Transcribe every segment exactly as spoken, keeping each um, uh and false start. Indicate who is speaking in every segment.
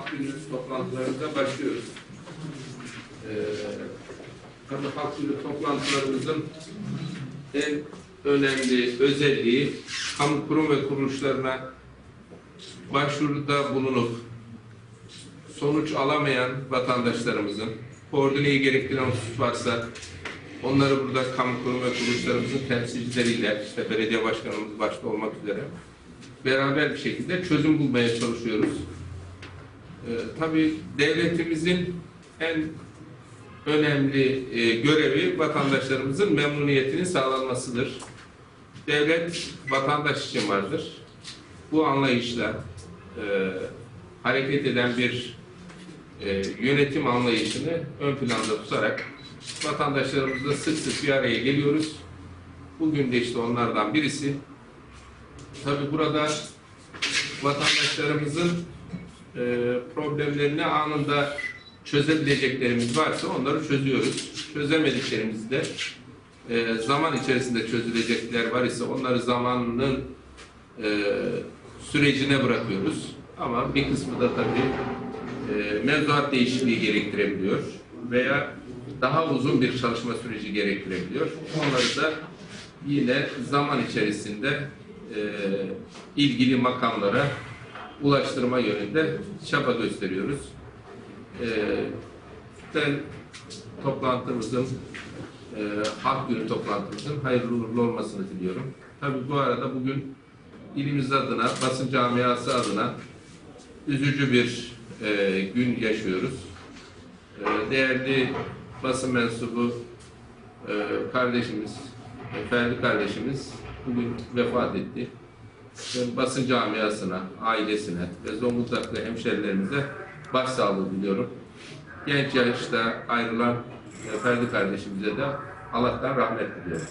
Speaker 1: Halk Günü toplantılarımıza başlıyoruz. Ee, tabii Halk Günü toplantılarımızın en önemli özelliği kamu kurum ve kuruluşlarına başvuruda bulunup sonuç alamayan vatandaşlarımızın koordineyi gerektiren husus varsa onları burada kamu kurum ve kuruluşlarımızın temsilcileriyle, işte belediye başkanımız başta olmak üzere beraber bir şekilde çözüm bulmaya çalışıyoruz. Ee, tabii devletimizin en önemli e, görevi vatandaşlarımızın memnuniyetinin sağlanmasıdır. Devlet vatandaş için vardır. Bu anlayışla e, hareket eden bir e, yönetim anlayışını ön planda tutarak vatandaşlarımızla sık sık bir araya geliyoruz. Bugün de işte onlardan birisi. Tabii burada vatandaşlarımızın e, problemlerini anında çözebileceklerimiz varsa onları çözüyoruz. Çözemediklerimizi de e, zaman içerisinde çözülecekler var ise onları zamanının e, sürecine bırakıyoruz. Ama bir kısmı da tabii e, mevzuat değişikliği gerektirebiliyor veya daha uzun bir çalışma süreci gerektirebiliyor. Onları da yine zaman içerisinde e, ilgili makamlara ulaştırma yönünde çaba gösteriyoruz. E, ben toplantımızın, e, Halk Günü toplantımızın hayırlı uğurlu olmasını diliyorum. Tabii bu arada bugün ilimiz adına, basın camiası adına üzücü bir e, gün yaşıyoruz. E, değerli basın mensubu e, kardeşimiz, e, Ferdi kardeşimiz bugün vefat etti. Ben basın camiasına, ailesine ve Zonguldaklı hemşerilerimize başsağlığı diliyorum. Genç yaşta ayrılan e, Ferdi kardeşimize de Allah'tan rahmet diliyorum.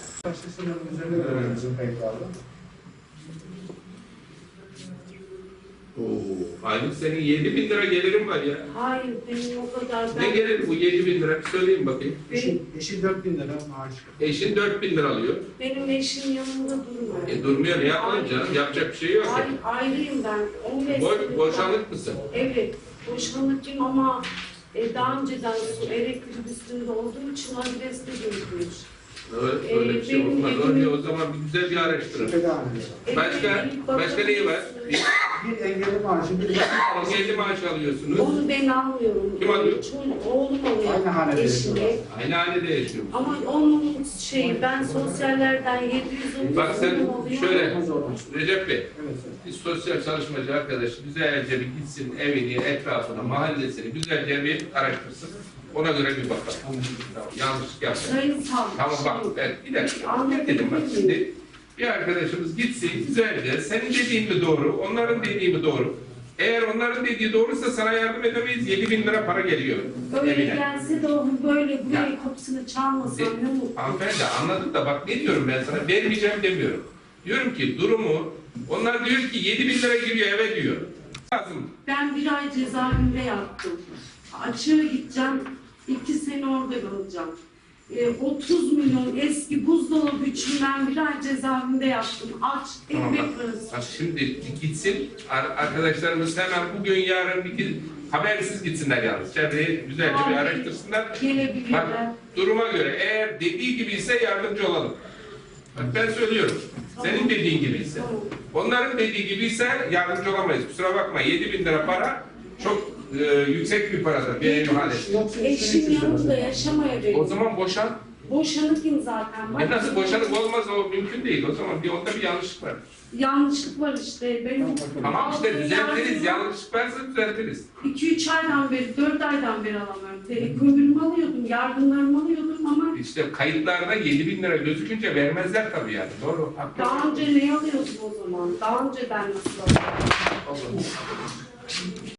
Speaker 1: Oo, aylık senin yedi bin lira gelirin var ya.
Speaker 2: Hayır, benim o kadar...
Speaker 1: Ne gelir bu yedi bin lira? Bir söyleyin bakayım.
Speaker 3: Eşin, eşin dört bin lira maaş.
Speaker 1: Eşin dört bin lira alıyor.
Speaker 2: Benim eşim yanımda durmuyor.
Speaker 1: E durmuyor, ne yapalım canım? Yapacak bir şey yok.
Speaker 2: Hayır, ayrıyım ben. on beş
Speaker 1: Bo
Speaker 2: senedir-
Speaker 1: boşanık mısın?
Speaker 2: Evet, boşanıcıyım ama e, daha önceden su elektrik üstünde olduğum için adreste görülmüş.
Speaker 1: Öyle, öyle bir şey
Speaker 2: benim
Speaker 1: olmaz.
Speaker 2: evim-
Speaker 1: Öyle, o zaman bir güzel bir araştırın.
Speaker 3: Tedavi.
Speaker 1: Başka, başka neyi var?
Speaker 3: Bir engelli maaşı, bir
Speaker 1: Engelli maaş alıyorsunuz.
Speaker 2: Onu ben almıyorum.
Speaker 1: Kim alıyor?
Speaker 2: Çoğun- Oğlum alıyor.
Speaker 3: Aynı hanede
Speaker 2: eşine.
Speaker 3: yaşıyorlar.
Speaker 1: Aynı hanede yaşıyor.
Speaker 2: Ama onun şeyi, ben sosyallerden yedi yüz on
Speaker 1: Bak sen
Speaker 2: oluyor.
Speaker 1: şöyle, Recep Bey,
Speaker 3: Evet, evet.
Speaker 1: bir sosyal çalışmacı arkadaş güzelce bir gitsin evini, etrafını, mahallesini güzelce bir araştırsın. Ona göre bir bakalım. Tamam, yanlışlık yapmayın.
Speaker 2: Sayın savcı.
Speaker 1: Tamam bak, ben bir dakika.
Speaker 2: Anladım.
Speaker 1: Ne dedim bak şimdi? Bir arkadaşımız gitsin güzelce, senin dediğin mi doğru, onların dediği mi doğru? Eğer onların dediği doğruysa sana yardım edemeyiz, yedi bin lira para geliyor
Speaker 2: Öyle
Speaker 1: evine.
Speaker 2: gelse de onu böyle buraya
Speaker 1: Ya.
Speaker 2: kapısını çalmasam
Speaker 1: De-
Speaker 2: ne mutlu.
Speaker 1: Hanımefendi anladım da bak ne diyorum ben sana, vermeyeceğim demiyorum. Diyorum ki durumu, onlar diyor ki yedi bin lira giriyor eve diyor. Lazım.
Speaker 2: Ben bir ay cezaevinde yattım. Açığa gideceğim, iki sene orada kalacağım. E, otuz milyon eski buzdolabı için ben bir ay cezaevinde yattım. Aç,
Speaker 1: Tamam,
Speaker 2: ekmek
Speaker 1: bak.
Speaker 2: parası.
Speaker 1: Bak şimdi gitsin ar- arkadaşlarımız hemen bugün yarın bir iki, habersiz gitsinler yalnız. Çevreyi güzelce bir
Speaker 2: Abi,
Speaker 1: araştırsınlar. Bak
Speaker 2: Gelebilirler.
Speaker 1: duruma göre eğer dediği gibi ise yardımcı olalım. Bak ben söylüyorum. Senin dediğin gibi ise.
Speaker 2: Tamam.
Speaker 1: Onların dediği gibi ise yardımcı olamayız. Kusura bakma yedi bin lira para çok e, yüksek bir paradır bir ev hanesi.
Speaker 2: Eşim yanımda yaşamaya
Speaker 1: O
Speaker 2: veriyor.
Speaker 1: zaman boşan.
Speaker 2: Boşanıkım zaten. Bak,
Speaker 1: E nasıl boşanık olmaz o mümkün değil. O zaman bir onda bir yanlışlık var.
Speaker 2: yanlışlık var işte. Benim
Speaker 1: Tamam işte
Speaker 2: aldığım
Speaker 1: düzeltiriz.
Speaker 2: yardım-
Speaker 1: Yanlışlık varsa düzeltiriz.
Speaker 2: iki üç aydan beri, dört aydan beri alamıyorum. E, kömürümü alıyordum, yardımlarımı alıyordum ama
Speaker 1: İşte kayıtlarda yedi bin lira gözükünce vermezler tabii yani. Doğru. Haklı.
Speaker 2: daha önce ne alıyordum o zaman? Daha önceden nasıl alıyordum?